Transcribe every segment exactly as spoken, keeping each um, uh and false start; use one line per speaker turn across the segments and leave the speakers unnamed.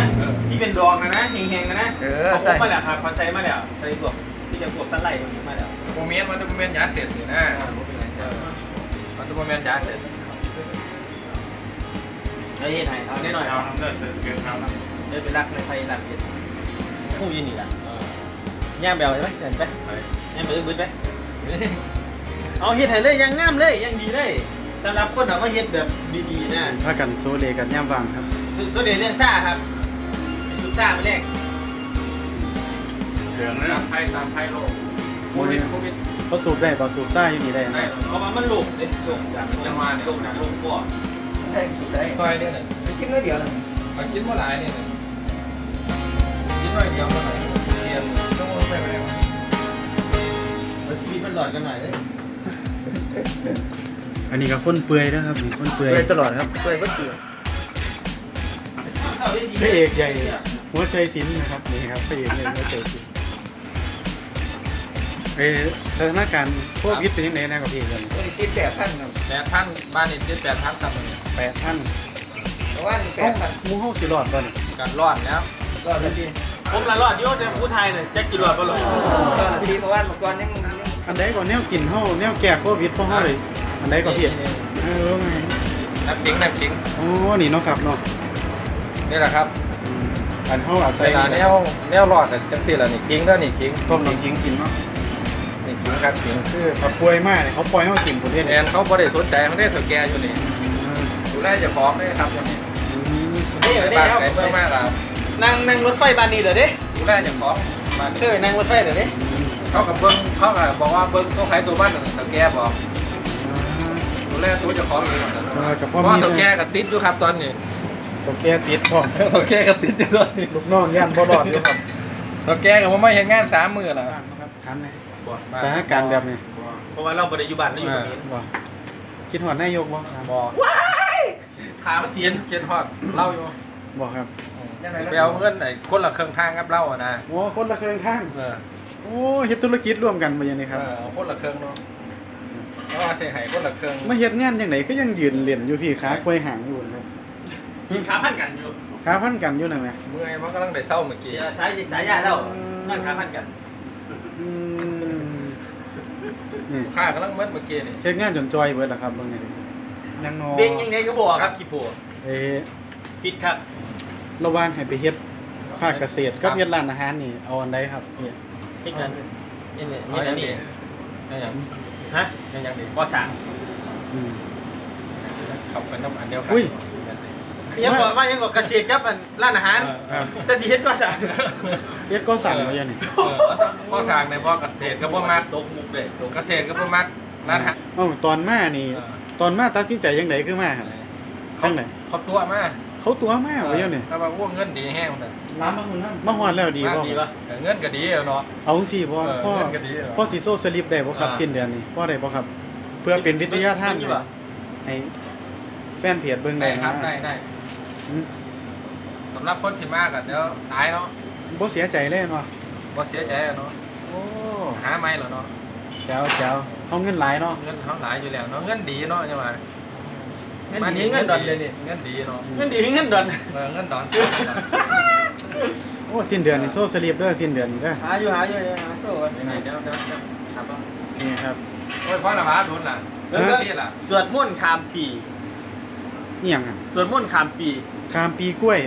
ที่เป็นดองนะนะแห้งๆนะนะเขาพบมาแล้วครับเขาใช้มาแล้วใช้พวกที่จะพวกสไลด์พวกนี้มาแล้ว
โมเมนต์มันจะโมเมนต์ยาเสร็จนะมันจะโมเมนต์ยาเสร็จ
ไอ้ไทยเอาได้หน่อยเอาทำได้เกินทำนะเดี๋ยวเป็นรักในไทยรักเย็นคู่ยืนนี่แหละย่างเบลใช่ไหมเห็นไหมย่างเบลบึ้ดไหมเอาเฮ็ดให้เลยยังงามเลยยังดีเลยสำหรับคนเราก็เฮ็ดแบบดีๆนะ
ถ้ากันโซเลกันย่ำวางครับ
ตัวเด่นเรื่องซ่าครับชุดซ่าไปแรก
เหลืองนะตามไพ่ตามไพ่โลกโควิดโควิด
เขาสูบได้ป่ะสูบได้อยู่นี่ได้
ได้เพราะว่ามันหลงเลยหลงจากจังหวะหลงจากหลงก่อน
ใช่ใช่ซอยเนี่ยไม่กินน้อยเดียวเลยไปกินเมื่อไหร่เนี่ยกินน้อยเดียวเมื่อไหร่เรียนต้องไปไปแล้ว
มีมันหลอดกันหน่อยเลย
อันนี้ก็คนเปื่อยนะครับนี่คนเปื่อย
ตลอดครับเปื่อยก็เปื่อย
พระเอกใหญ่หัวใจสินนะครับนี่ครับพระเอกใหญ่หัวใจสินเออสถานการณ์โควิดเป็นยังไงนะครับพี่กัน
ติดแปดท่านครับแปดท่านบ้านนี้ติดแปดท่านครับ
แปดท่าน
เพราะว่าแปดท่าน
มูเฮาสิรอดก่อน
กัดรอดแล้ว
รอดดีผมละรอดโย่จะพูดไทยเลยแจ็คกินรอดก็รอด
รอดดีเพราะว่าเมื่อก่อนยัง
อันใดก่อนแนวกินเฮาแนวแก้โควิดพวกเฮาเลยอันใดก่อนพี่เออไง
นับจริงนับจริง
โอ้นี่เนาะครับเนาะ
นี่แหละครับ
อันเฮาอาศัย
แนวแนวรอดแต่จังซี่ล่ะนี่ทิ้งแล้วนี่ทิ้ง
ต้มน้ำทิ้งกินเนาะ
นี่ทิ้งครับทิ้ง
คือเขาป่วยมากเนี่ยเขาปล่อยให้เขากินประเทศ
แอนเขาบ่ได้สนใจมันได้สแกนอยู่นี่ดูแลเจ้าของได้ครับอย่างนี้
นี่เหรอเนี่ยครับ
เมื่อมากแล้ว
นั่งนั่งรถไฟบานนี้เหรอเด้
ดูแลเจ้าของ
มาเคยนั่งรถไฟเหรอเด้
เขากับเบิ้งเขาบอกว่าเบิ้งตัวใครตัวบ้านสแกนบอกดูแลตัวเจ้าของเองเพราะตัวแกกับติดอยู่ครับตอนนี้
ตัวแกติดพ่อ
ตัวแกกับติดอยู่ตอนนี้
ลูกน้องย่านบ่รอดอยู่ครับ
ตัวแกกับผมไม่เห็นงานสามมือแล้ว
ครับทันเลยสถานการณ์แบบนี้
เพราะว่าเราบริยุบัติเราอยู่ตรงนี้
คิดหอดนายกบ่
บ่
ว้ายขามันเตียน
เจ็ดหอดเล่าอยู่
บ่ครับ
ไปเอาเงินไหนคนละเครื่องทางครับเล่าอ่ะนะ
โอ้คนละเครื่องทางโอ้เฮ็ดธุรกิจร่วมกันมาอย่างนี้ครับ
เอาคนละเครื่องเนาะเพราะว่าเสียหายคนละเครื่อง
มาเฮ็ดงานยังไงก็ยังยืนเรียนอยู่พี่ขาควยหางอยู่ครับ
ขาพันกันอยู่
ขาพันกันอยู่นั่นแหละ
เมื่อยมันกำลังได้เศร้าเมื่อกี้
สายสายยาแล้วนั่นขาพันกัน
นี่ข้ากำลังเมื่อเมื่อกี้นี่
เฮ็ดงานจนจอยเบิดล่ะครับเบิ่งนี่ยังนอ
เบ่งยังไงก็บอกครับขี้ผัว
เอ๊ะ
ฟิตครับ
ระหว่างให้ไปเฮ็ดภาคเกษตรกับเฮ็ดร้านอาหารนี่เอาอันใดครับนี่
เฮ็ดกันนี่นี่นี่อันนี้
นั่นหยัง
ฮะ
นั่นหยังดิ
บ่สั่ง
อืมขับเป็นน้ำอันเดียวกัน
อุ้ย
ยังบอกว่ายังบอกเกษตรกับร้านอาหารแต่สิเฮ็ดก็สั่ง
เฮ็ดก็สั่งว่าอย่างนี้
เออพ่อทางในพ่อเกษตรก็บ่มักตกมุกเด้เกษตรก็บ่มักร้านอาหาร
เอ้าตอนมานี่ตอนมาตัดสินใจจังได๋คือมาครับจังได๋
เขาตัวมา
เขาตัวมาว่าอย่างนี้
ถ้าว่าว่าเงินดีแห้งมัน
น้ำมันนั่น
มาฮอดแล้วดีบ่
เงินก็ดีเนาะ
เอาจังซี่บ่พ่อพ่อสิโซสลิปได้บ่ครับสิ้นเดือนนี้พ่อได้บ่ครับเพื่อเป็นวิทยาทานให้แฟนเพจเบิ่งได้
ครับได้ได้สำหรับคนที่มากอ่ะเดี๋ยวตายเนาะ
บ่เสียใจเลยเนาะ
บ่เสียใจเนาะโอ้หาไม่เหรอเนาะ
แจ๋วแจ๋วเขาเงินหลายเนาะ
เงินเขาหลายอยู่แล้วเนาะเงินดีเนาะใช่ไหม
เงินดีเงินดอนเลยนี่
เงินดีเนาะ
เงินดีเงินดอน
เออเงินดอน
โอ้สิ้นเดือนนี่โซ่สลิปเด้อสิ้นเดือนนี่เด้อ
หาอยู่หาอยู่หาโซ่กัน
ยังไงเดี๋ยวเดี๋ยวครับ
นี่ครับ
โอ้ยพ่อละมาโดนล่ะเรื่องนี้ล่ะ
สวดมนต์ข้ามปี
นี่ยังอ่ะ
สวดมนต์ข้ามปี
ข้ามปีกล้วย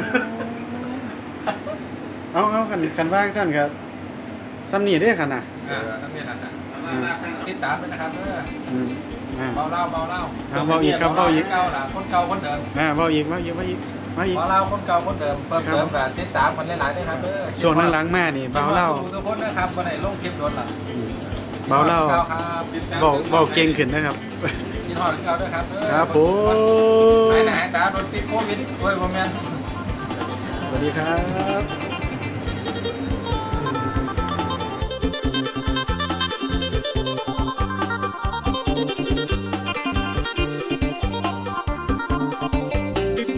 เอาเอากันกันว่างสั้นครับซ้ำนี่ได้ขนาด
อ่าซ้ำนี่ขนาดติดตามไปนะครับเด้อเบาเล่าเบาเล่า
เบาอีกครับเบาอีก
เก่าล่ะคนเก่าคนเดิม
อ่าเบาอีกเบาอีกเบาอีกเบาอีก
เบาเล่าคนเก่าคนเดิมเพิ่มเติมแบบติดตามมันหลายๆด้วยครับเด้อ
ช่วงหลังๆมานี่เบาเล่า
ทุกคนนะครับวันไหนลงคลิปโดนล่ะ
เบาเล่าเบาเบาเก่งขึ้นนะครับ
กินหอดเก่าด้วยครับ
ครับผม
ไหนไหนตาโดนติดโควิดด้วยโมเมนต์
สวัสดีครับ